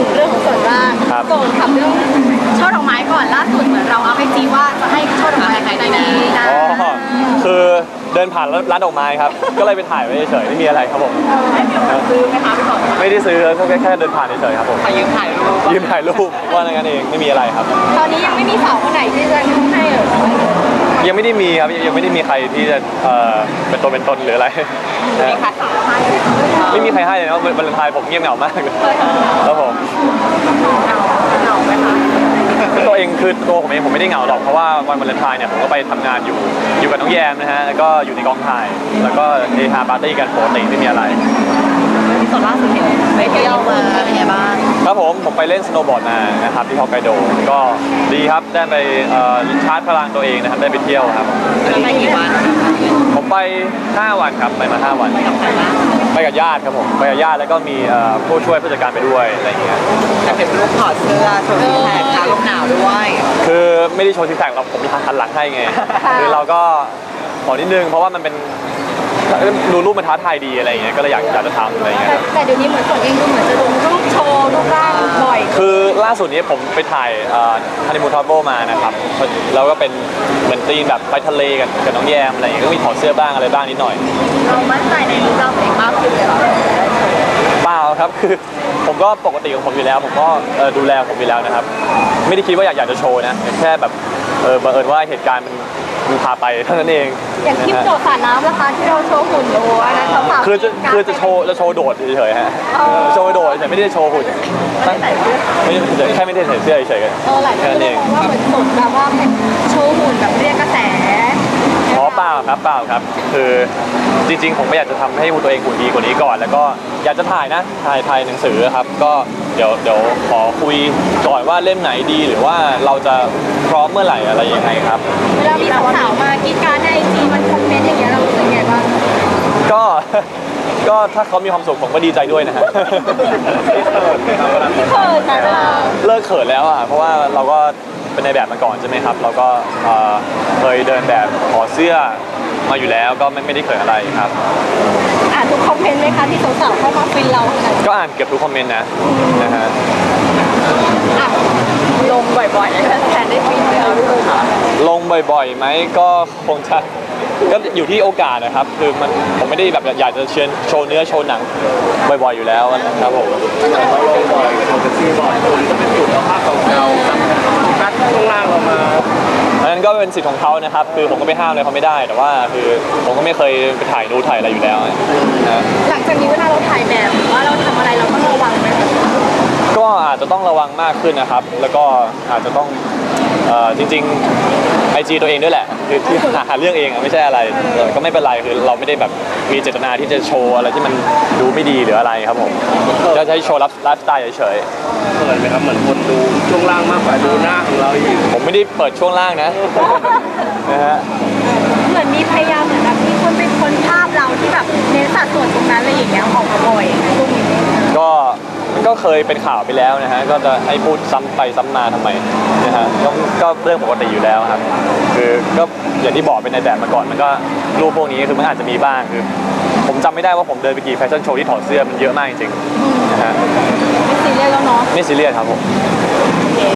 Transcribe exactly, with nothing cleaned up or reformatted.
งเรื่องของส่วนร่างโกนทำเรื่องช่อดอกไม้ก่อนล่าสุดเหมือนเราเอาไปจีว่าจะให้ช่อดอกไม้ใครดีนะอ๋อคือเดินผ่านร้านดอกไม้ครับก็เลยไปถ่ายไว้เฉยๆไม่มีอะไรครับผมซื้อไหมคะพี่ก่อนไม่ได้ซื้อก็แค่แค่เดินผ่านเฉยๆครับผมยืมถ่ายรูปยืมถ่ายรูปว่าอย่างนั้นเองไม่มีอะไรครับตอนนี้ยังไม่มีสาวคนไหนที่จะให้เหรอยังไม่ได้มีครับยังไม่ได้มีใครที่จะเอ่อเป็นตัวเป็นตนหรืออะไรไม่ค่ะไม่มีใครให้เลยนะวันวาเลนไทน์ผมเงียบเหงามากครับผมเหงาไหมคะตัวเองคือตัวผมเองผมไม่ได้เหงาหรอกเพราะว่าวันวาเลนไทน์เนี่ยผมก็ไปทำงานอยู่อยู่กับน้องแยมนะฮะแล้วก็อยู่ในกองถ่ายแล้วก็เฮฮาปาร์ตี้กันปกติไม่มีอะไรที่ส่วนล่าสุดเห็นไปเที่ยวมาเป็นไงบ้างครับผมผมไปเล่นสโนว์บอร์ดมานะครับที่ฮอกไกโดก็ดีครับได้ไปชาร์จพลังตัวเองนะครับได้ไปเที่ยวครับไปกี่วันผมไปห้าวันครับไปมาห้าวันไปกับญาติครับผมไปกับญาติแล้วก็มีผู้ช่วยผู้จัดการไปด้วยอะไรอย่างเงี้ยเห็นรูปถอดเสื้อโชว์ซิกแพคขาลมหนาวด้วยคือไม่ได้โชว์ซิกแพคเราผมหันหลังให้ไงคือเราก็ขอนิดนึงเพราะว่ามันเป็นดูรูปมันท้าทายดีอะไรอย่างเงี้ยก็เลยอยากอยากจะทำอะไรอย่างเงี้ยแต่เดี๋ยวนี้เหมือนส่วนเองดูเหมือนจะลงรูปโชว์รูปร่างบ่อยคือล่าสุดนี้ผมไปถ่ายฮันนีมูนทราเวลมานะครับแล้วก็เป็นเหมือนตีนแบบไปทะเลกันกับน้องแยมอะไรอย่างเงี้ยก็มีถอดเสื้อบ้างอะไรบ้างนิดหน่อยเรามั่นใจในรูปร่างตัวเองมากขึ้นเลยหรอเปล่าครับคือผมก็ปกติของผมอยู่แล้วผมก็ดูแลผมอยู่แล้วนะครับไม่ได้คิดว่าอยากอยากจะโชว์นะแค่แบบเออบังเอิญว่าเหตุการณ์มันมันพาไปเท่านั้นเองอย่างคลิปโดดสระน้ำนะคะที่เราโชว์หุ่นดูอันนั้นเขาฝากคือจะคือจะโชว์จะโชว์โดดเฉยๆฮะโชว์โดดแต่ไม่ได้โชว์หุ่นไม่ใส่เสื้อไม่แค่ไม่ได้ใส่เสื้อเฉยๆกันเออหลายคนเลยมองว่าเหมือนสดแบบว่าเป็นโชว์หุ่นแบบเรียกกระแสอ๋อเปล่าครับเปล่าครับคือจริงๆผมไม่อยากจะทำให้ตัวเองหุ่นดีกว่านี้ก่อนแล้วก็อยากจะถ่ายนะถ่ายถ่ายหนังสือครับก็เดี๋ยวเดี๋ยวขอคุยก่อนว่าเล่มไหนดีหรือว่าเราจะพร้อมเมื่อไหร่อะไรยังไงครับเวลามีสาวๆมากีดการในไอจีมันคอมเมนต์อย่างเงี้ยเรารู้สึกไงบ้างก็ก็ถ้าเขามีความสุขผมก็ดีใจด้วยนะฮะเขินนะเลิกเขินแล้วอ่ะเพราะว่าเราก็เป็นในแบบมาก่อนใช่ไหมครับเราก็เคยเดินแบบขอเสื้อมาอยู่แล้วก็ไม่ไม่ได้เขินอะไรครับอ่านทุกคอมเมนต์ไหมคะที่สาวๆเข้ามาฟินเราขนาดก็อ่านเกือบทุกคอมเมนต์นะนะฮะลงบ่อยๆแล้วแทนได้ฟินเลยเอาดูค่ะลงบ่อยๆไหมก็คงจะก็อยู่ที่โอกาสนะครับคือมันผมไม่ได้แบบอยากจะเชิญโชว์เนื้อโชว์หนังบ่อยๆอยู่แล้วนะครับผมเราลงบ่อยโชว์เซ็กซี่บ่อยคนก็เป็นจุดเอาภาพเก่าๆคัดข้างล่างเรามาอันนั้นก็เป็นสิทธิ์ของเขานะครับคือผมก็ไม่ห้ามอะไรเขาไม่ได้แต่ว่าคือผมก็ไม่เคยไปถ่ายนูถ่ายอะไรอยู่แล้วนะหลังจากนี้เวลาเราถ่ายแบบหรือว่าเราทำอะไรเราต้องระวังไหมก็อาจจะต้องระวังมากขึ้นนะครับแล้วก็อาจจะต้องจริงๆไอจีตัวเองด้วยแหละคือที่หาเรื่องเองอะไม่ใช่อะไรก็ไม่เป็นไรคือเราไม่ได้แบบมีเจตนาที่จะโชว์อะไรที่มันดูไม่ดีหรืออะไรครับผมก็จะให้โชว์ไลฟ์สไตล์เฉยๆเปิดไหมครับเหมือนคนดูช่วงล่างมากกว่าดูหน้าของเราอีกผมไม่ได้เปิดช่วงล่างนะนะฮะเหมือนมีพยายามเหมือนแบบมีคนเป็นคนภาพเราที่แบบเน้นสัดส่วนตรงนั้นอะไรอย่างเงี้ยออกมาบ่อยช่วงนี้ก็ก็เคยเป็นข่าวไปแล้วนะฮะก็จะให้พูดซ้ำไปซ้ำมาทำไมนะฮะก็ก็เรื่องปกติอยู่แล้วครับคือก็อย่างที่บอกเป็นในแบบมาก่อนมันก็รูปพวกนี้คือมันอาจจะมีบ้างคือผมจำไม่ได้ว่าผมเดินไปกี่แฟชั่นโชว์ที่ถอดเสื้อมันเยอะมากจริงๆนะฮะไม่ซีเรียสแล้วเนาะไม่ซีเรียสครับผม